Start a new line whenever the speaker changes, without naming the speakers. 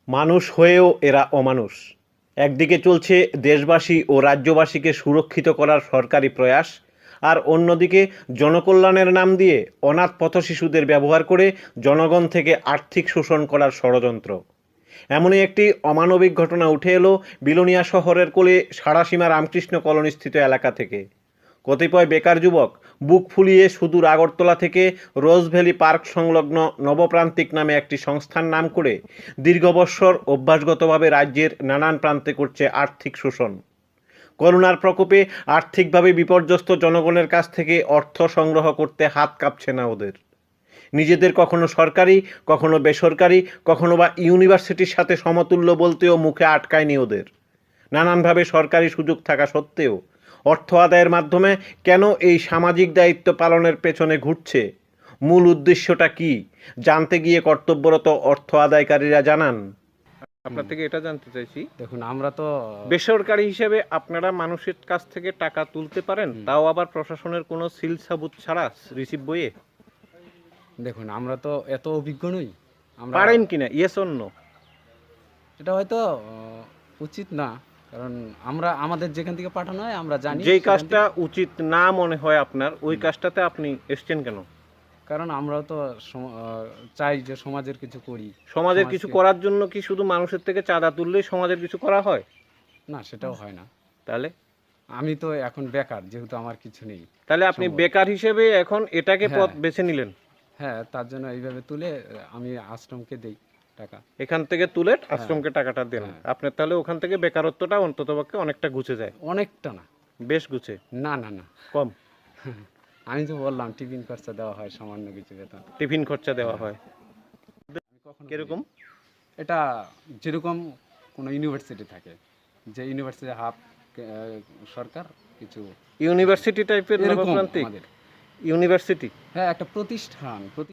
মানুষ হয়েও এরা অমানুষ। একদিকে চলছে দেশবাসী ও রাজ্যবাসীকে সুরক্ষিত করার সরকারি প্রয়াস, আর অন্যদিকে জনকল্যাণের নাম দিয়ে অনাথ পথশিশুদের ব্যবহার করে জনগণ থেকে আর্থিক শোষণ করার ষড়যন্ত্র। এমনই একটি অমানবিক ঘটনা উঠে এলো বিলোনিয়া শহরের কোলে সারাসীমা রামকৃষ্ণ কলোনিস্থিত এলাকা থেকে। কতিপয় বেকার যুবক বুক ফুলিয়ে সুদূর আগরতলা থেকে রোজ ভ্যালি পার্ক সংলগ্ন নবপ্রান্তিক নামে একটি সংস্থার নাম করে দীর্ঘ বৎসর অভ্যাসগতভাবে রাজ্যের নানান প্রান্তে করছে আর্থিক শোষণ। করোনার প্রকোপে আর্থিকভাবে বিপর্যস্ত জনগণের কাছ থেকে অর্থ সংগ্রহ করতে হাত কাঁপছে না ওদের। নিজেদের কখনো সরকারি, কখনো বেসরকারি, কখনো বা ইউনিভার্সিটির সাথে সমতুল্য বলতেও মুখে আটকায়নি ওদের। নানানভাবে সরকারি সুযোগ থাকা সত্ত্বেও অর্থ আদায়ের মাধ্যমে কেন এই সামাজিক দায়িত্ব পালনের পেছনে ঘুরছে, মূল উদ্দেশ্যটা কি, জানতে গিয়ে কর্তব্যরত অর্থ আদায়কারীরা জানান। আপনার থেকে এটা জানতে চাইছি,
দেখুন আমরা তো
বেসরকারি হিসেবে আপনারা মানুষের কাছ থেকে টাকা তুলতে পারেন, তাও আবার প্রশাসনের কোনো সিল সাবুত ছাড়া, রিসিভ বইয়ে?
দেখুন আমরা তো এত অভিজ্ঞ নই। আমরা
পারেন কিনা, ইয়েস অর নো?
এটা হয়তো উচিত না, কারণ আমরা আমাদের যেখান থেকে পাঠানো হয় আমরা জানি
যেই
সেখান
কাজটা উচিত না মনে হয় আপনার, ওই কাজটাতে আপনি এসছেন কেন?
কারণ আমরাও তো চাই যে সমাজের কিছু করি।
সমাজের কিছু করার জন্য কি শুধু মানুষের থেকে চাঁদা তুললেই সমাজের কিছু করা হয়?
না, সেটাও হয় না।
তাহলে
আমি তো এখন বেকার, যেহেতু আমার কিছু নেই।
তাহলে আপনি বেকার হিসেবে এখন এটাকে পথ
হ্যাঁ।
বেছে নিলেন।
হ্যাঁ, তার জন্য এইভাবে তুলে আমি আশ্রমকে দেই টাকা।
এখান থেকে তুলে আশ্রমকে টাকাটা দেন। আপনার তাহলে ওখান থেকে বেকারত্বটা অন্ততপক্ষে অনেকটা ঘুচে যায়।
অনেকটা না,
বেশ ঘুচে।
না না না,
কম?
আমি তো বললাম টিফিন খরচা দেওয়া হয়, সামান্য কিছু বেতন।
টিফিন খরচা দেওয়া হয় কিরকম?
এটা যেরকম কোনো ইউনিভার্সিটি থাকে, যে ইউনিভার্সিটি হাফ সরকার কিছু
ইউনিভার্সিটি টাইপের
এরকম
নবপ্রান্তিক
আমাদের।
ইউনিভার্সিটি?
হ্যাঁ, একটা প্রতিষ্ঠান